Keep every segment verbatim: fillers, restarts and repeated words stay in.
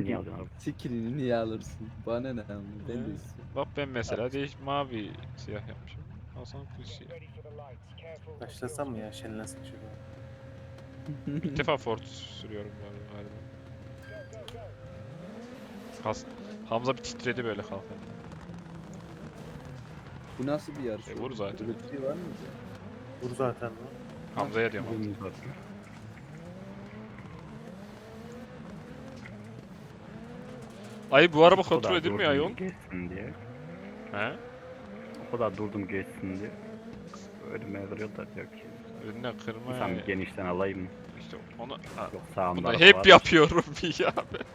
niye alıyorsun abi? Skill'ini niye alırsın? Bana ne ama ben de Ee, istiyorum. Bak ben mesela değiş mavi siyah yapmışım. Hasan kız siyah. Başlasam mı ya? Şenlensek şurada. İlk defa Ford sürüyorum bu arada galiba. Has Hamza bir titredi böyle kalkan. Bu nasıl bir yarış? E, oğlum? vur zaten. Böyle bir şey var mı? Vur zaten lan. Hamza'ya diyorum Hamza. Bugün zaten. Ay bu araba O kontrol kadar edilmiyor durdum ayol. Geçsin diye. He? O kadar durdum geçsin diye. Önüme kırıyorlar diyor ki. Önüne kırma. İnsan bir genişten alayım mı? İşte onu ha, Yok sağımda bunu araba hep var. yapıyorum ya.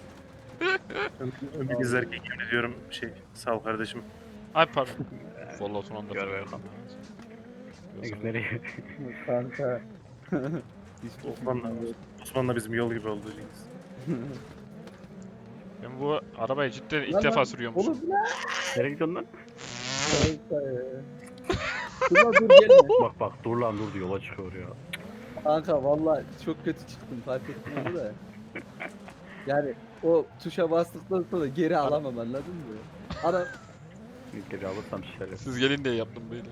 Ömür izlerken yemin ediyorum şey sağ ol kardeşim. Ay pardon. Vallahi son anda. Gör fark bakalım. ettim. Ne Yoksa- nereye? Kanka. Hiç Osman'la, Osman'la bizim yol gibi oldu Cengiz. Ben bu arabayı cidden ilk Lan defa lan, sürüyormuşum. Oğlum lan. Nereye gidiyorsun lan? Kanka ya. Dur dur gelme. Bak bak dur lan dur diyor, yola çıkıyor ya. Kanka valla çok kötü çıktım fark ettim onu da. Yani o tuşa bastıktan sonra geri alamam anladın mı? Ara Geri alırsam şişer. Siz gelin diye yaptım böyle.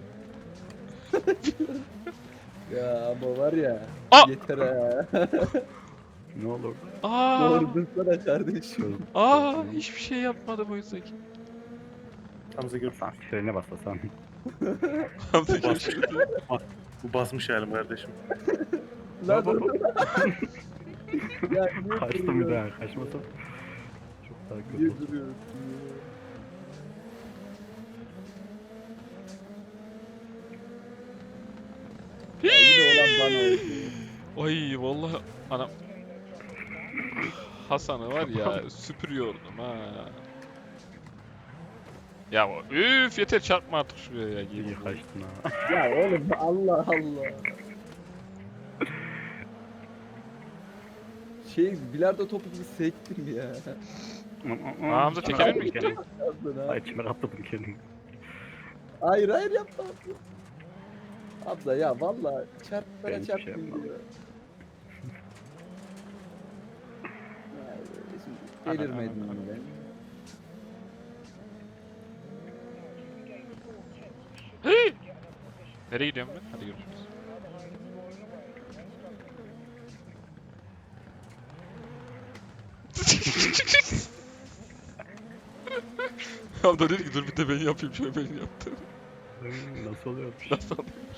ya ama var ya. Aa! Yeter ha. Ne olur? Aa! Doğru dursana kardeşim. Aa! Hiçbir şey yapmadı bu yüzden. Hamza gör. Sen frene baslasan. Hamza görüşürüz. Bu basmış halim kardeşim. Lan dur. Ya niye Kaçtım bir duruyorsun? daha, kaçmasam. Çok daha kötü Niye oldu. duruyorsun? Ya yine olan bana oldu. Ay vallahi anam. Hasan'ı var ya süpürüyordum ha. Ya üf yeter çarpma artık şuraya ya. İyi Yemin kaçtın ha. Ya oğlum Allah Allah. Şey bilardo topu gibi sektim ya. Aa, Hamza tekerin mi gitti? Yaptın ha. Ay içime atladım kendimi. Hayır hayır yapma. Abla ya valla çarp Ben bana hiçbir çarp şey yapmadım. diyor. Ya, şimdi delirmedim Ana, ana, ben. Hey! Nereye gidiyorum ben? Hadi görüşürüz. Hamza dedi ki dur bir de ben yapayım şöyle ben yaptım. Ay, nasıl oluyormuş? Nasıl oluyormuş?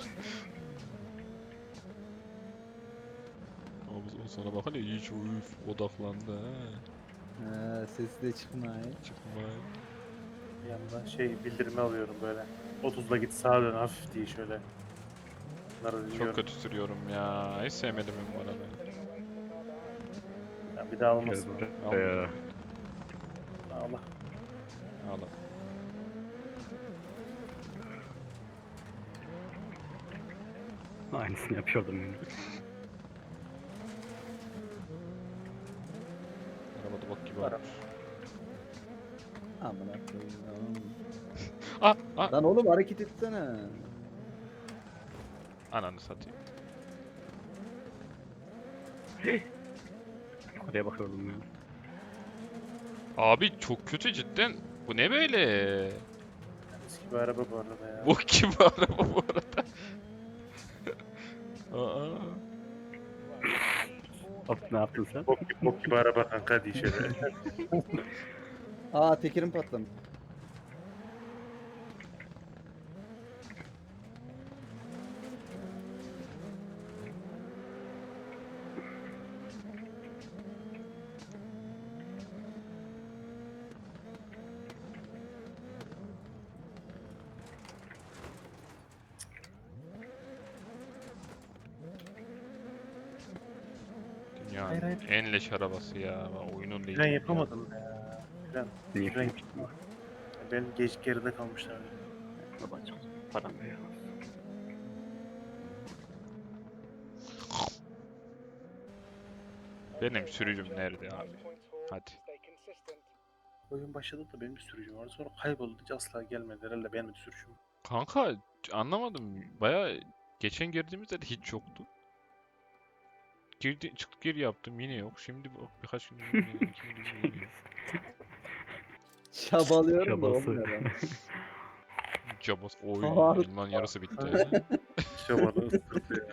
Ama o sana bak hani hiç üf odaklandı ha. Ha, sesi de çıkmay. Çıkma. Bir yandan şey bildirimi alıyorum böyle. otuzla git sağa dön hafif diye şöyle. Bunları dinliyorum. Çok kötü sürüyorum ya. Hiç sevmedim ben bu arabayı. Ya bir daha Gel olmasın. buraya. Ee, Allah. Ağla. aynısını yapıyordum yani. Arabada bak gibi Araba. olmuş. Amına koyayım. Ah! Ah! Lan oğlum hareket etsene. Ananı satayım. Oraya bakıyordum ya. Abi çok kötü cidden. Bu ne böyle? Eski bir araba bu arada ya. Bu kim araba bu arada? Aa. Hop ne yaptın sen? Bok gibi, bok gibi araba kanka diye şöyle. Aa tekerim patlamış. Dünyanın Hayır, hayır. en leş arabası ya. Ben oyunun değil. Fren yapamadım ya. Fren. Niye Fren. fren? Ben geç geride kalmışlar. Babacım param veriyor. Benim sürücüm nerede abi? Hadi. Oyun başladı da benim bir sürücüm vardı. Sonra kayboldu. Hiç asla gelmedi. Herhalde benim bir sürücüm. Kanka anlamadım. Baya geçen girdiğimizde de hiç yoktu. Girdi, çıktık geri yaptım yine yok. Şimdi bu birkaç gün yine, iki gün yine yok. Çabalıyorum da Çabası. olmuyor lan. Cabas. Oy Harika. elmanın yarısı bitti. Şamanı ısırdı ya.